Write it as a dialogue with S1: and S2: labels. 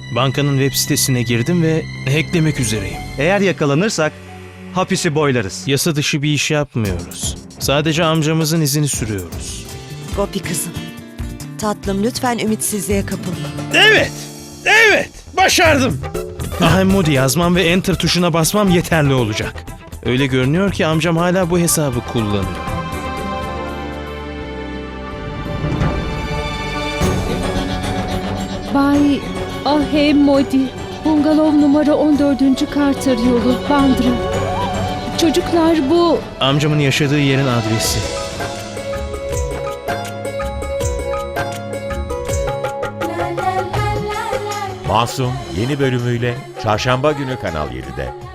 S1: Bankanın web sitesine girdim ve hacklemek üzereyim.
S2: Eğer yakalanırsak hapisi boylarız.
S1: Yasa dışı bir iş yapmıyoruz. Sadece amcamızın izini sürüyoruz.
S3: Gopi kızım. Tatlım lütfen ümitsizliğe kapılma.
S1: Evet, başardım. Ahemmodi yazmam ve enter tuşuna basmam yeterli olacak. Öyle görünüyor ki amcam hala bu hesabı kullanıyor.
S4: Bay Ahemmodi, bungalov numara 14. Carter yolu, Bandra. Çocuklar bu...
S1: Amcamın yaşadığı yerin adresi.
S5: Masum yeni bölümüyle Çarşamba günü Kanal 7'de.